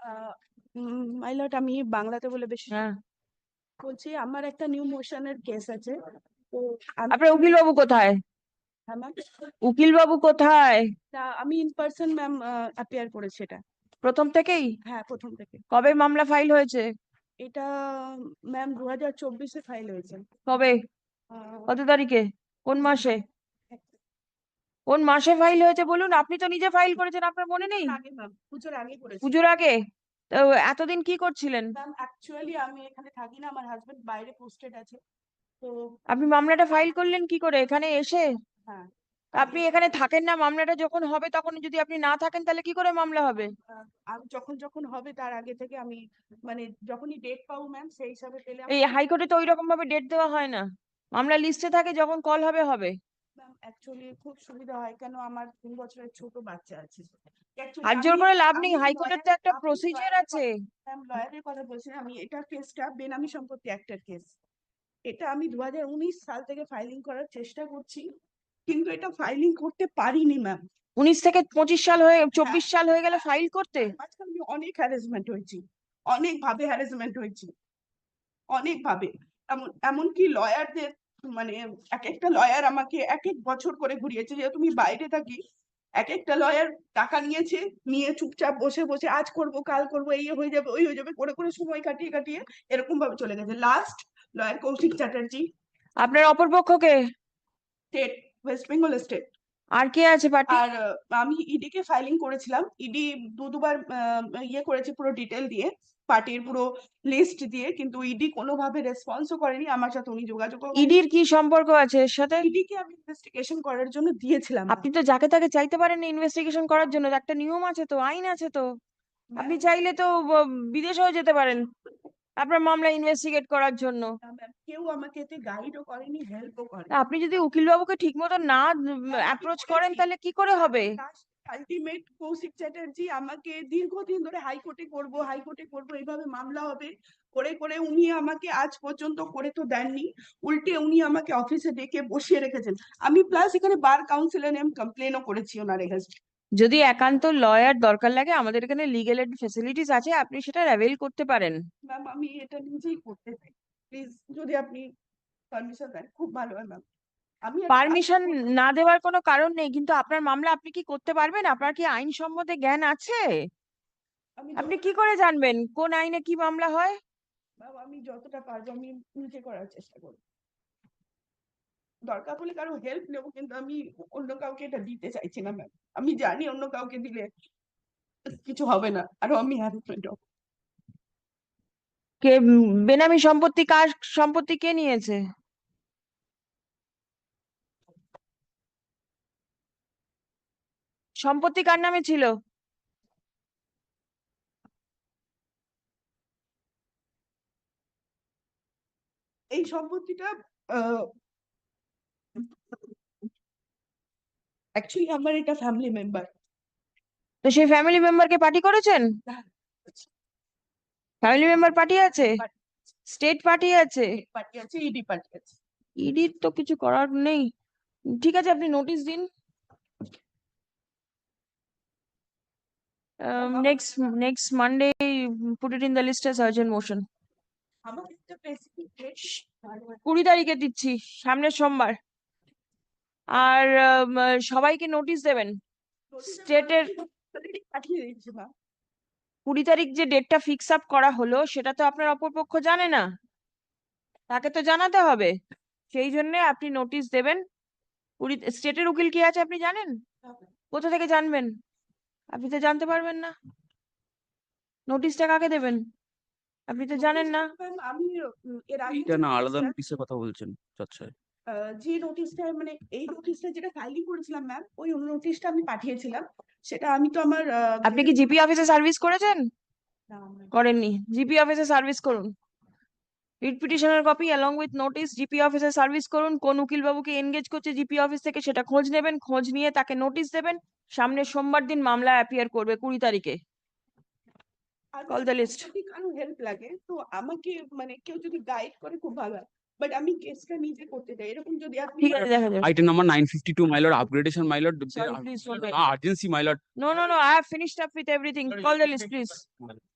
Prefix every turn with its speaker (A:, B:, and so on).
A: My lord, আমি বাংলাতে বলে বেশি
B: হ্যাঁ,
A: বলছি। আমার একটা নিউ মোশনের কেস আছে, তো আমি
B: আপনার উকিল বাবু কোথায়?
A: হ্যাঁ ম্যাম,
B: উকিল বাবু কোথায়?
A: আমি ইন পার্সন ম্যাম অ্যাপিয়ার করেছি এটা।
B: প্রথম থেকেই?
A: হ্যাঁ, প্রথম থেকে।
B: কবে মামলা ফাইল হয়েছে?
A: এটা ম্যাম 2024-এ ফাইল হয়েছে।
B: কবে?
A: আহ,
B: কত তারিখে? কোন মাসে? কোন মাসে ফাইল হয়েছে বলুন? আপনি তো নিজে ফাইল করেছেন, আপনার মনে নেই?
A: আগে ম্যাম, পুজোর আগে করেছি
B: পুজোর আগে? তো এতদিন কি করছিলেন?
A: ম্যাম। অ্যাকচুয়ালি আমি এখানে থাকি না, আমার হাজবেন্ড বাইরে পোস্টেড আছে, তো
B: আপনি মামলাটা ফাইল করলেন কি করে এখানে এসে?
A: হ্যাঁ।
B: আপনি এখানে থাকেন না, মামলাটা যখন হবে তখন যদি আপনি না থাকেন তাহলে কি করে মামলা হবে?
A: আমি যখন যখন হবে তার আগে থেকে আমি, মানে যখনই ডেট পাবো ম্যাম সেই হিসাবে পেলে
B: এই হাইকোর্টে তো ওই রকম ভাবে ডেট দেওয়া হয় না, মামলা লিস্টে থাকে, যখন কল হবে হবে।
A: ম্যাম অ্যাকচুয়ালি খুব সুবিধা হয়, কেন আমার 3 বছরের ছোট বাচ্চা আছে।
B: হাত
A: অ্যাকচুয়ালি
B: জোর
A: আমি
B: করে লাভ নেই,
A: আমি
B: হাইকোর্টের তো
A: লয়ার
B: একটা
A: আমি
B: প্রসিজার
A: লয়ারের
B: আছে।
A: ম্যাম লয়ারের কথা বলছি না, আমি এটা কেসটা বেনামি সম্পত্তি অ্যাক্টের কেস। এটা আমি 2019 সাল থেকে ফাইলিং করার চেষ্টা করছি, কিন্তু এটা ফাইলিং করতে পারিনি ম্যাম।
B: 19 থেকে 25 সাল হয়ে
A: হ্যাঁ,
B: 24 সাল হয়ে গেল ফাইল করতে?
A: মাঝখানে আমি অনেক হ্যারাসমেন্ট হয়েছি, অনেক ভাবে হ্যারাসমেন্ট হয়েছি, অনেক ভাবে। এমনকি লয়ারদের, মানে এক একটা লয়ার আমাকে এক এক বছর করে ঘুরিয়েছে, যেহেতু আমি বাইরে থাকি। এক একটা লয়ার টাকা নিয়েছে, নিয়ে চুপচাপ বসে বসে আজ করব কাল করব, এই হয়ে যাবে ওই হয়ে যাবে করে করে সময় কাটিয়ে কাটিয়ে এরকম ভাবে চলে গেছে। লাস্ট লয়ার কৌশিক চ্যাটার্জি,
B: আপনার অপরপক্ষকে?
A: State, West Bengal state.
B: আর কে আছে পার্টি?
A: আর আমি ইডি কে ফাইলিং করেছিলাম, ইডি দুবার ইয়ে করেছে পুরো ডিটেল দিয়ে, পার্টির পুরো লিস্ট দিয়ে, কিন্তু ইডি কোনোভাবে রেসপন্সও করেনি আমার সাথে, উনি যোগাযোগও করেনি।
B: ইডির কি সম্পর্ক আছে এর সাথে?
A: ইডি কে আমি ইনভেস্টিগেশন করার জন্য দিয়েছিলাম
B: আপনি তো যাকে তাকে চাইতে পারেন ইনভেস্টিগেশন করার জন্য, একটা নিয়ম আছে তো, আইন আছে তো। আপনি
A: ম্যাম।
B: চাইলে তো বিদেশেও যেতে পারেন আপনার মামলা ইনভেস্টিগেট করার জন্য।
A: কেউ আমাকে এতে গাইডও করেনি, হেল্পও
B: তা
A: করেনি।
B: আপনি যদি উকিল বাবুকে ঠিক মতো না অ্যাপ্রোচ করেন তাহলে কি করে হবে?
A: আলটিমেট কৌশিক চ্যাটার্জি আমাকে দীর্ঘদিন ধরে হাইকোর্টে করব হাইকোর্টে করব এইভাবে মামলা হবে করে করে উনি আমাকে আজ পর্যন্ত করে তো দেননি, উল্টে উনি আমাকে অফিসে ডেকে বসিয়ে রেখেছেন। আমি প্লাস এখানে বার কাউন্সিলে আমি কমপ্লেনও করেছি ওনার এগেনস্ট।
B: যদি একান্ত লয়ার দরকার লাগে আমাদের এখানে লিগ্যাল এড ফেসিলিটিস আছে, আপনি সেটা অ্যাভেল করতে পারেন।
A: ম্যাম আমি এটা নিজেই করতে চাই, প্লিজ যদি আপনি পারমিশন দেন খুব ভালো হয় ম্যাম। আমি একটা কাজ
B: পারমিশন
A: করব।
B: না দেওয়ার কোনো কারণ নেই, কিন্তু আপনার মামলা আপনি কি করতে পারবেন? আপনার কি আইন সম্বন্ধে জ্ঞান আছে?
A: আমি
B: আপনি কি করে জানবেন কোন আইনে কি মামলা হয়?
A: ম্যাম আমি যতটা পারবো আমি নিজে করার চেষ্টা করবো, দরকার হলে কারো হেল্প নেবো, কিন্তু আমি অন্য কাউকে এটা দিতে চাইছি না ম্যাম। আমি জানি অন্য কাউকে দিলে কিছু হবে না, আরো আমি হ্যারাসমেন্ট হবো।
B: কে বেনামি সম্পত্তি, কার সম্পত্তি কে নিয়েছে? সম্পত্তি কার নামে ছিল?
A: এই সম্পত্তিটা অ্যাকচুয়ালি আমার এটা ফ্যামিলি মেম্বার।
B: তো সেই ফ্যামিলি মেম্বারকে পার্টি করেছেন? ফ্যামিলি মেম্বার পার্টি আছে? স্টেট পার্টি আছে?
A: পার্টি আছে, ইডি পার্টি আছে।
B: ইডির তো কিছু করার নেই। ঠিক আছে, আপনি নোটিশ দিন। Next next Monday put it in the list as urgent motion.
A: আমার একটা স্পেসিফিক ডেট
B: 20 তারিখে দিচ্ছি, সামনের সোমবার। আর সবাইকে নোটিশ দেবেন স্টেটের।
A: পাঠিয়ে দিয়েছি মা।
B: 20 তারিখ যে ডেটটা ফিক্স আপ করা হলো সেটা তো আপনার অপরপক্ষ জানে না, তাকে তো জানাতে হবে। সেই জন্য আপনি নোটিশ দেবেন। স্টেটের উকিল কি আছে আপনি জানেন? কোথা থেকে জানবেন? আপনি তো জানতে পারবেন না। নোটিশটা কাকে দেবেন আপনি তো জানেন না।
A: আমি এর আগে
C: এইটা না আলাদা নোটিশের কথা বলছেন? আচ্ছা,
A: যে নোটিশটা, মানে এই নোটিশটা যেটা ফাইলিং করেছিলাম ম্যাম, ওই নোটিশটা আমি পাঠিয়েছিলাম। সেটা আমি তো আমার
B: আপনি কি জিপি অফিসে সার্ভিস করেছেন? করেননি? জিপি অফিসে সার্ভিস করুন, রিট পিটিশনের copy along with notice GP অফিসে সার্ভিস করুন। কোন উকিল বাবুকে এনগেজ করছে জিপি অফিস থেকে সেটা খোঁজ নেবেন, খোঁজ নিয়ে তাকে নোটিশ দেবেন। সামনের সোমবার দিন মামলা অ্যাপিয়ার করবে 20 তারিখে। Call the list.
A: যদি কারো হেল্প লাগে তো আমাকে, মানে কেউ যদি গাইড করে খুব ভালো হয়, বাট আমি কেসটা নিজে করতে চাই, এরকম যদি আপনি
B: ঠিক আছে, দেখা যাবে।
C: item number 952, my lord, upgradation, my lord.
B: Sorry, please don't wait.
C: Urgency, my lord.
B: No, I have finished up with everything. Call the list, please.